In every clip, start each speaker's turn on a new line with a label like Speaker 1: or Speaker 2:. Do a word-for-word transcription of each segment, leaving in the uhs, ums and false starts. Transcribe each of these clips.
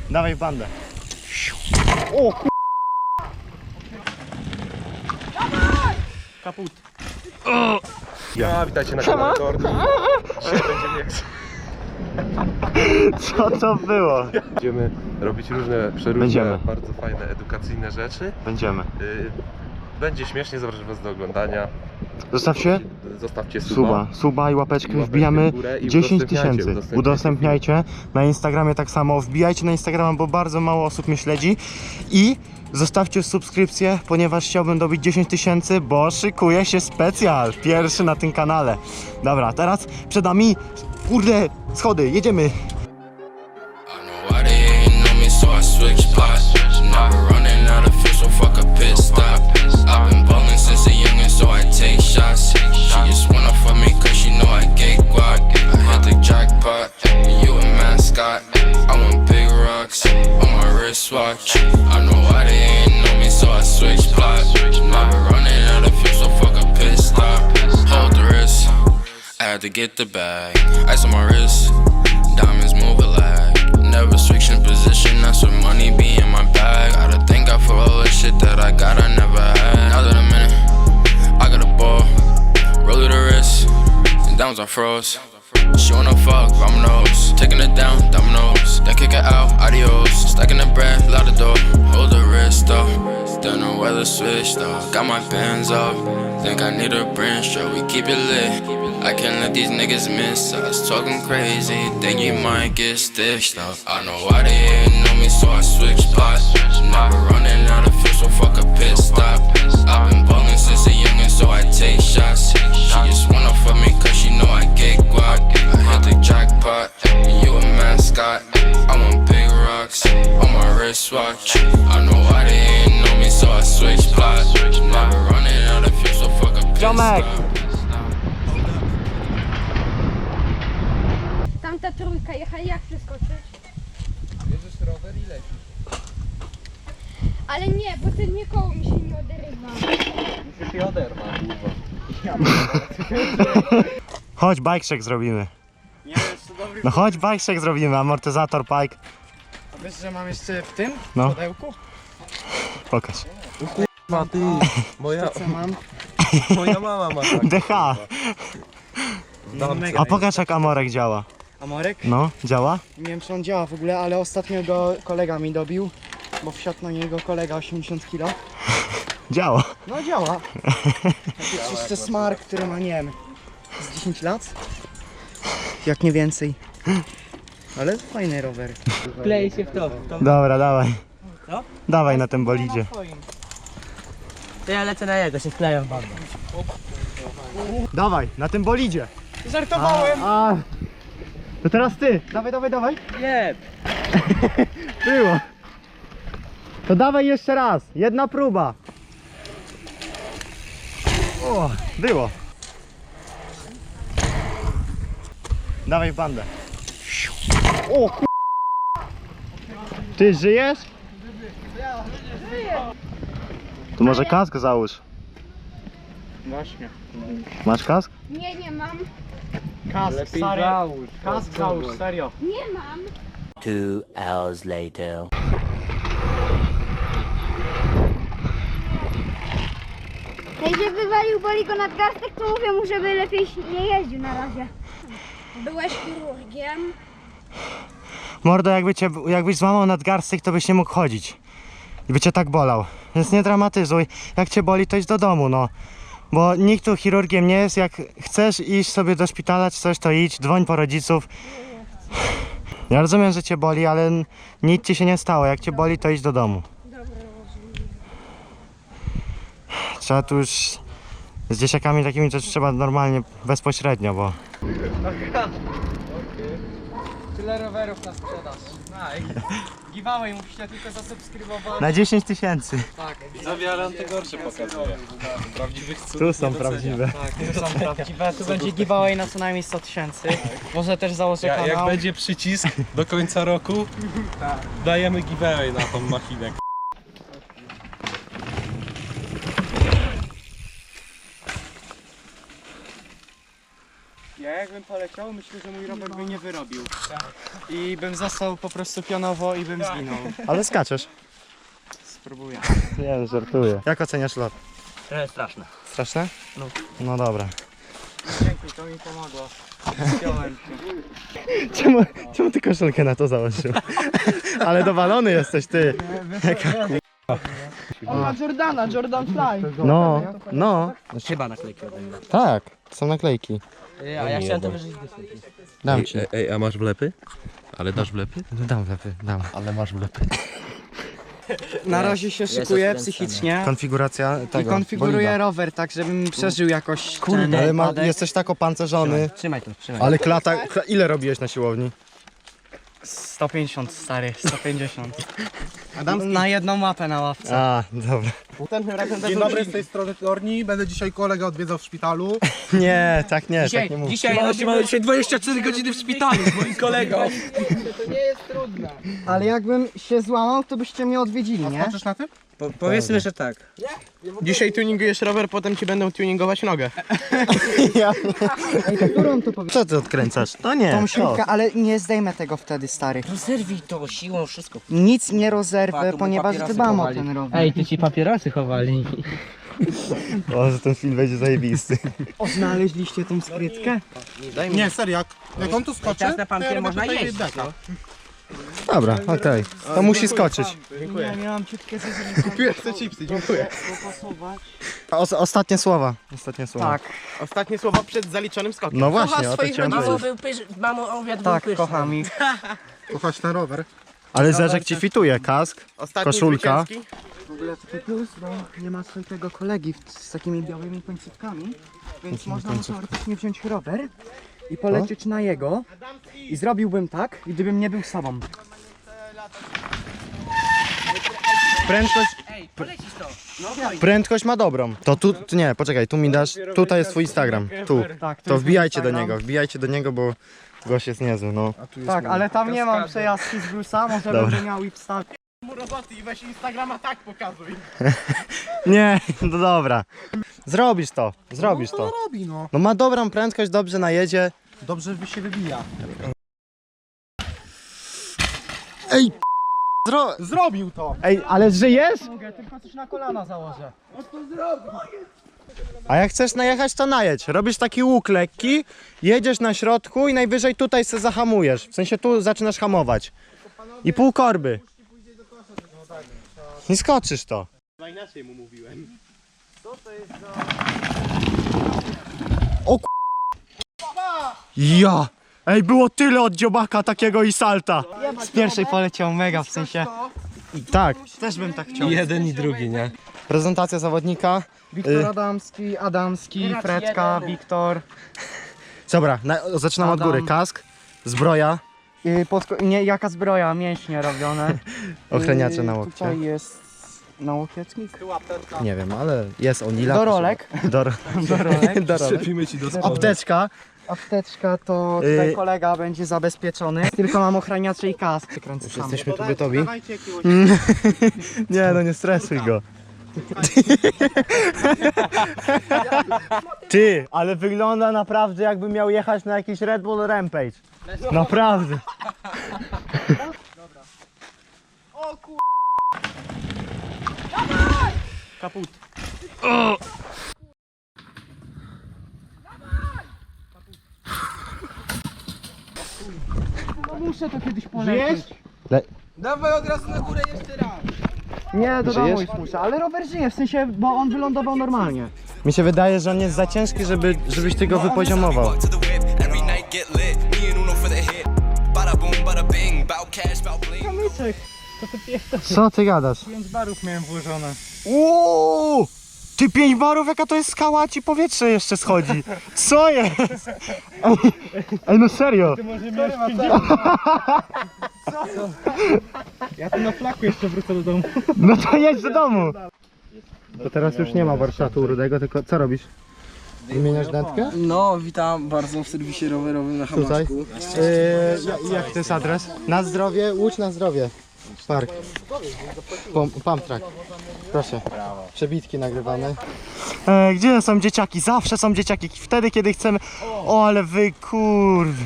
Speaker 1: Dawaj w bandę. O k...
Speaker 2: Kaput.
Speaker 3: O! Ja, witajcie na kanale Kordy. Dzisiaj będziemy...
Speaker 1: Co to było?
Speaker 3: Będziemy robić różne, przeróżne,
Speaker 1: Będziemy.
Speaker 3: bardzo fajne, edukacyjne rzeczy.
Speaker 1: Będziemy.
Speaker 3: Y, Będzie śmiesznie, zapraszam was do oglądania.
Speaker 1: Zostawcie
Speaker 3: Zostawcie suba.
Speaker 1: suba, suba i łapeczkę.
Speaker 3: I łapeczkę
Speaker 1: Wbijamy
Speaker 3: w górę i
Speaker 1: dziesięć
Speaker 3: udostępniajcie,
Speaker 1: tysięcy.
Speaker 3: udostępniajcie.
Speaker 1: Udostępniajcie. Na Instagramie tak samo. Wbijajcie na Instagrama, bo bardzo mało osób mnie śledzi. I zostawcie subskrypcję, ponieważ chciałbym dobić dziesięć tysięcy, bo szykuje się specjal. Pierwszy na tym kanale. Dobra, teraz przed nami, kurde, schody, jedziemy.
Speaker 4: Watch. I know why they ain't know me, so I switch plots. Now we're running out of fuel, so fuck a pit stop. Hold the wrist, I had to get the bag. Ice on my wrist, diamonds move a lag. Never switch in position, that's where money be in my bag. I gotta thank God for all the shit that I got, I never had. Now that I'm in it, I got a ball. Roll to the wrist, and diamonds are froze. She wanna fuck, dominoes. Taking it down, dominoes. Then kick it out, adios. Stacking the bread, loud the door. Hold the wrist though. Don't know where the switch though. Got my pants up. Think I need a branch, stroke. We keep it lit. I can't let these niggas miss us. Talking crazy, think you might get stitched up. I know why they ain't know me, so I switch spots. Never running out of fuel, so fuck a pit stop. I've been ballin' since a youngin', so I take shots. She just wanna fuck me cause she know I get guap. I hit the jackpot, and you a mascot. I want big rocks on my wristwatch. I know why they ain't know me, so I switch plots. Never running out of fuel, so fuck a pit
Speaker 1: Ziomek!
Speaker 4: stop.
Speaker 5: Tamta trójka jechali, jak przeskoczyć?
Speaker 3: Bierzesz rower i lecisz.
Speaker 5: Ale nie, bo ten nie koło mi się nie oderywa.
Speaker 3: Musisz je oderwać.
Speaker 1: Chodź, bike check zrobimy.
Speaker 2: Nie, jeszcze dobry.
Speaker 1: No chodź, bike check zrobimy, amortyzator, bike.
Speaker 2: A wiesz, że mam jeszcze w tym
Speaker 1: No.
Speaker 2: pudełku?
Speaker 1: Pokaż.
Speaker 3: Ma ty, moja,
Speaker 2: Co mam?
Speaker 3: moja mama ma tak.
Speaker 1: D H.
Speaker 2: No, mega.
Speaker 1: A pokaż jak amorek działa.
Speaker 2: Amorek?
Speaker 1: No, działa?
Speaker 2: Nie wiem, czy on działa w ogóle, ale ostatnio go kolega mi dobił, bo wsiadł na niego kolega osiemdziesiąt kilo.
Speaker 1: Działa.
Speaker 2: No działa. Taki czysty smar, który ma, nie wiem, z dziesięć lat? Jak nie więcej. Ale fajny rower.
Speaker 6: Klei się w to. w to.
Speaker 1: Dobra, dawaj.
Speaker 6: Co?
Speaker 1: Dawaj na tym bolidzie.
Speaker 6: To ja lecę na jego, się wkleją bardzo.
Speaker 1: Dawaj, na tym bolidzie.
Speaker 2: Żartowałem!
Speaker 1: A, a. To teraz ty. Dawaj, dawaj, dawaj.
Speaker 6: Nie!
Speaker 1: Było. To dawaj jeszcze raz. Jedna próba. O, było. Dawaj w bandę. O ku... Ty żyjesz? To może kask załóż.
Speaker 2: Właśnie.
Speaker 1: Masz kask?
Speaker 5: Nie, nie mam.
Speaker 2: Kask,
Speaker 6: Lepiej
Speaker 2: stary.
Speaker 6: załóż.
Speaker 2: Kask załóż, serio.
Speaker 5: Nie mam.
Speaker 7: Two hours later.
Speaker 5: Jak się wywalił, boli go nadgarstek, to mówię mu, żeby lepiej nie jeździł na razie. Byłeś chirurgiem.
Speaker 1: Mordo, jakby cię, jakbyś złamał nadgarstek, to byś nie mógł chodzić. I by cię tak bolał. Więc nie dramatyzuj. Jak cię boli, to idź do domu, no. Bo nikt tu chirurgiem nie jest. Jak chcesz iść sobie do szpitala czy coś, to idź, dzwoń po rodziców. Ja rozumiem, że cię boli, ale nic ci się nie stało. Jak cię boli, to idź do domu. Trzeba tu już z dzieciakami takimi to trzeba normalnie, bezpośrednio, bo...
Speaker 2: Tyle rowerów na sprzedaż. Giveaway musicie tylko zasubskrybować.
Speaker 1: Na dziesięć tysięcy.
Speaker 2: Tak,
Speaker 3: Widzowie, ale on te gorsze pokazuje. Prawdziwych cudów
Speaker 1: Tu są
Speaker 3: nie docenia.
Speaker 1: prawdziwe.
Speaker 2: tak, to są prawdziwe. Tu będzie giveaway na co najmniej sto tysięcy. Może też założę
Speaker 3: Ja,
Speaker 2: kanał.
Speaker 3: jak będzie przycisk do końca roku, dajemy giveaway na tą machinę.
Speaker 2: Jest. jakbym poleciał, myślę, że mój rower by nie wyrobił. I bym został po prostu pionowo i bym zginął.
Speaker 1: Ale skaczesz.
Speaker 2: Spróbuję.
Speaker 1: Nie, żartuję. Jak oceniasz lot?
Speaker 6: Trochę straszne.
Speaker 1: Straszne? No. No dobra.
Speaker 2: Dzięki, to mi pomogło. Zdjąłem się.
Speaker 1: Czemu, czemu ty koszulkę na to założył? Ale dowalony jesteś ty.
Speaker 2: On ma Jordana, Jordan Fly.
Speaker 1: No, no.
Speaker 6: Chyba naklejki ode mnie.
Speaker 1: Tak, są naklejki.
Speaker 6: A ja chciałem to wyżyć wyświetlić.
Speaker 1: Dam ci.
Speaker 3: ej, a masz wlepy? Ale dasz wlepy?
Speaker 1: Dam wlepy, dam.
Speaker 3: Ale masz wlepy.
Speaker 2: Na razie się
Speaker 6: Jest
Speaker 2: szykuję
Speaker 6: odkręcony.
Speaker 2: psychicznie.
Speaker 1: Konfiguracja
Speaker 2: I
Speaker 1: tego.
Speaker 2: konfiguruję
Speaker 1: bolida.
Speaker 2: rower tak, żebym przeżył jakoś
Speaker 6: Kurde.
Speaker 2: ten
Speaker 1: Ale ma,
Speaker 2: wypadek.
Speaker 1: jesteś tak opancerzony.
Speaker 6: Trzymaj to, trzymaj.
Speaker 1: Ale klata, kla- ile robiłeś na siłowni?
Speaker 2: sto pięćdziesiąt stary, sto pięćdziesiąt. Na jedną mapę na ławce.
Speaker 1: A, dobra.
Speaker 8: Dzień dobry, z tej strony Torni. Będę dzisiaj kolegę odwiedzał w szpitalu.
Speaker 1: Nie, tak nie,
Speaker 6: Dzisiaj,
Speaker 1: tak nie mów.
Speaker 6: dzisiaj, mamy dzisiaj dwadzieścia cztery godziny w szpitalu z moim kolegą.
Speaker 2: Ale jakbym się złamał, to byście mnie odwiedzili, nie?
Speaker 8: Patrzysz na tym?
Speaker 6: Powiedzmy, że tak.
Speaker 8: Dzisiaj tuningujesz rower, potem ci będą tuningować nogę.
Speaker 2: Ej, to którą to powie?
Speaker 1: Co ty odkręcasz? To nie.
Speaker 2: Tą
Speaker 1: to.
Speaker 2: śrubkę, ale nie zdejmę tego wtedy, stary.
Speaker 6: Rozerwij to siłą, wszystko.
Speaker 2: Nic nie rozerwę,
Speaker 6: Pa, tu by
Speaker 2: ponieważ
Speaker 6: papierosy
Speaker 2: dbam o
Speaker 6: chowali.
Speaker 2: ten rower.
Speaker 6: Ej, ty ci papierosy chowali.
Speaker 1: O, że ten film będzie zajebisty.
Speaker 2: O, znaleźliście tą skrytkę?
Speaker 8: Nie, serio, jak, jak on tu skoczy,
Speaker 6: Teraz na
Speaker 8: to ja
Speaker 6: pampie
Speaker 8: robię
Speaker 6: można
Speaker 8: tutaj
Speaker 6: jeść.
Speaker 8: deka.
Speaker 1: Dobra, okej. To musi skoczyć.
Speaker 2: Nie, miałam ciutkę
Speaker 8: Kupiłem te chipsy, dziękuję.
Speaker 2: zapasować.
Speaker 1: O, ostatnie słowa. Ostatnie słowa.
Speaker 2: Tak,
Speaker 8: Ostatnie słowa przed zaliczonym skokiem.
Speaker 1: No właśnie, o to
Speaker 8: swoich
Speaker 1: chciałem
Speaker 6: Mamo
Speaker 1: powiedzieć.
Speaker 6: był pysz, mamo obiad był
Speaker 2: tak,
Speaker 6: pyszny.
Speaker 2: kocham ich.
Speaker 8: Kochać ten rower.
Speaker 1: Ale Zerzek ci fituje, kask.
Speaker 8: Ostatni
Speaker 1: Koszulka.
Speaker 8: zwycięski.
Speaker 2: W ogóle taki plus, bo nie ma swojego kolegi w, z takimi białymi końcówkami, więc można mu teoretycznie wziąć rower i polecieć na jego i zrobiłbym tak, gdybym nie był sobą.
Speaker 1: Prędkość,
Speaker 6: Ej, polecisz to.
Speaker 1: prędkość ma dobrą. To tu, tu, nie, poczekaj, tu mi dasz, tutaj jest twój Instagram, tu.
Speaker 2: Tak,
Speaker 1: To wbijajcie do niego, wbijajcie do niego, bo gość jest niezły, no.
Speaker 2: Tak, ale tam nie mam przejażdżki z Bruce'a, może
Speaker 1: Dobra.
Speaker 2: będę miał i wstać.
Speaker 8: Mu roboty i weź Instagrama tak pokazuj.
Speaker 1: Nie, no dobra. Zrobisz to, zrobisz
Speaker 8: To
Speaker 1: to.
Speaker 8: robi, no.
Speaker 1: No ma dobrą prędkość, dobrze najedzie.
Speaker 8: Dobrze by się wybija.
Speaker 1: Ej, zro...
Speaker 8: Zrobił to.
Speaker 1: Ej, ale żyjesz?
Speaker 2: Mogę, tylko coś na kolana założę.
Speaker 1: A jak chcesz najechać, to najedź. Robisz taki łuk lekki, jedziesz na środku i najwyżej tutaj se zahamujesz. W sensie tu zaczynasz hamować. I pół korby. I skoczysz to.
Speaker 8: No inaczej mu mówiłem.
Speaker 1: O k... Ja! Ej, było tyle od dziobaka takiego i salta.
Speaker 2: Z pierwszej poleciał mega, w sensie
Speaker 1: Tak,
Speaker 2: też bym tak chciał.
Speaker 3: Jeden i drugi, nie?
Speaker 1: prezentacja zawodnika.
Speaker 2: Wiktor
Speaker 1: Y-
Speaker 2: Adamski, Adamski,
Speaker 6: Teraz
Speaker 2: Fredka,
Speaker 6: jeden.
Speaker 2: Wiktor.
Speaker 1: Dobra, na, zaczynam od
Speaker 2: Adam.
Speaker 1: góry. Kask, zbroja,
Speaker 2: Yy, podko- nie, jaka zbroja, mięśnie robione.
Speaker 1: ochraniacze
Speaker 2: Yy,
Speaker 1: na łokcie.
Speaker 2: Tutaj jest nałokietnik.
Speaker 1: Nie wiem, ale jest Onila.
Speaker 2: Do rolek.
Speaker 1: Do,
Speaker 2: Do rolek.
Speaker 1: do rolek.
Speaker 3: Przepimy ci do spodu.
Speaker 1: Apteczka.
Speaker 2: Apteczka to tutaj
Speaker 1: Yy.
Speaker 2: kolega będzie zabezpieczony. Tylko mam ochraniacze i kask. Kręcę sam.
Speaker 1: Jesteśmy tu gotowi?
Speaker 8: Dawajcie jakiegoś.
Speaker 1: Nie, no nie stresuj go. Ty, ale wygląda naprawdę jakby miał jechać na jakiś Red Bull Rampage. Naprawdę.
Speaker 2: Kaput. No muszę to kiedyś polecieć.
Speaker 8: Dawaj od razu na górę jeszcze raz.
Speaker 2: Nie, do domu
Speaker 1: Żyjesz?
Speaker 2: już muszę, ale rower żyje, w sensie, bo on wylądował normalnie.
Speaker 1: Mi się wydaje, że on jest za ciężki, żeby, żebyś ty go wypoziomował.
Speaker 9: to the whip, every night get lit. Me and Uno for the hit. Bada boom, bada bing, bout cash, bout bling.
Speaker 2: Kamyczek.
Speaker 1: Co ty gadasz?
Speaker 2: pięć barów miałem włożone.
Speaker 1: Uuu! Ty pięć barów, jaka to jest skała, a ci powietrze jeszcze schodzi. Co jest? Ej, ej no serio.
Speaker 2: Ja tu na flaku jeszcze wrócę do domu.
Speaker 1: No to jedź do domu. To teraz już nie ma warsztatu u Rudego, tylko co robisz? Wymieniasz dętkę?
Speaker 2: No, witam bardzo w serwisie rowerowym na
Speaker 1: Tutaj. Yy, ja- jak to jest adres? Na zdrowie, Łódź na zdrowie. Park. Pom, pump track. Proszę. Przebitki nagrywamy. E, gdzie są dzieciaki? Zawsze są dzieciaki. Wtedy, kiedy chcemy... O, ale wy kurw...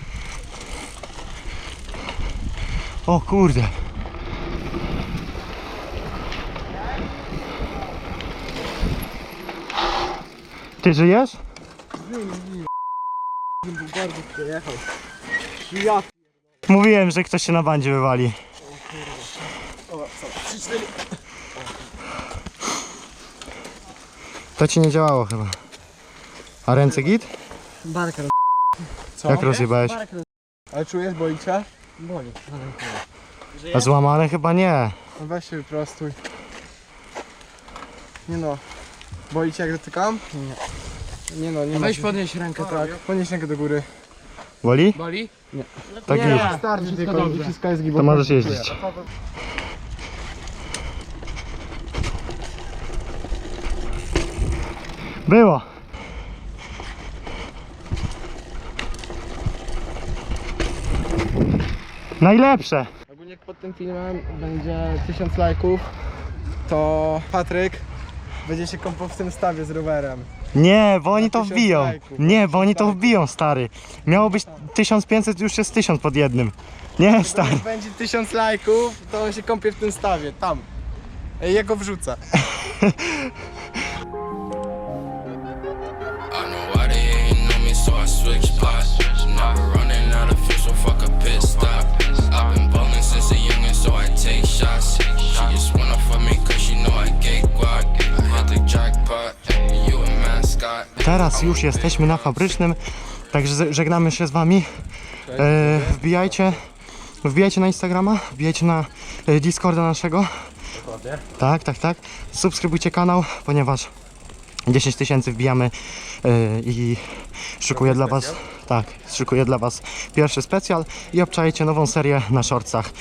Speaker 1: O kurde. Ty żyjesz? Mówiłem, że ktoś się na bandzie wywali. To ci nie działało chyba. A ręce git?
Speaker 2: Barka
Speaker 1: Jak rozjebałeś?
Speaker 8: Ale czujesz, boli cię?
Speaker 2: boli.
Speaker 1: A złamane chyba nie.
Speaker 8: No weź się wyprostuj. Nie no. Boli cię jak dotykam? Nie. Nie no, nie
Speaker 2: Weź
Speaker 8: ma.
Speaker 2: podnieś rękę, tak.
Speaker 8: Podnieś rękę do góry.
Speaker 1: Boli?
Speaker 2: Boli?
Speaker 1: Tak git.
Speaker 8: Starczy tylko i wszystko jest
Speaker 1: To
Speaker 8: gibowe.
Speaker 1: możesz jeździć. Było. Najlepsze.
Speaker 8: Ogólnie jak pod tym filmem będzie tysiąc lajków, to Patryk będzie się kąpał w tym stawie z rowerem.
Speaker 1: Nie, bo oni to
Speaker 8: tysiąc
Speaker 1: wbiją.
Speaker 8: lajków,
Speaker 1: Nie, bo oni to
Speaker 8: lajków.
Speaker 1: wbiją, stary. Miało być tysiąc pięćset, już jest tysiąc pod jednym. Nie, stary.
Speaker 8: Jak będzie tysiąc lajków, to on się kąpie w tym stawie, tam. Ej, ja go wrzucę.
Speaker 4: I know why they ain't know me, so I switch spots. Never running out of fuel, so fuck a pit stop. I've been ballin' since a youngin', so I take shots. She just wanna fuck me cause she know I get guac. I hit the jackpot, you a mascot.
Speaker 1: Teraz już jesteśmy na Fabrycznym, także z- żegnamy się z wami. E, wbijajcie, wbijajcie na Instagrama, wbijajcie na e, Discorda naszego. Tak, tak, tak. Subskrybujcie kanał, ponieważ dziesięć tysięcy wbijamy e, i szykuję dla was, tak, szykuję dla was pierwszy specjal i obczajcie nową serię na shortsach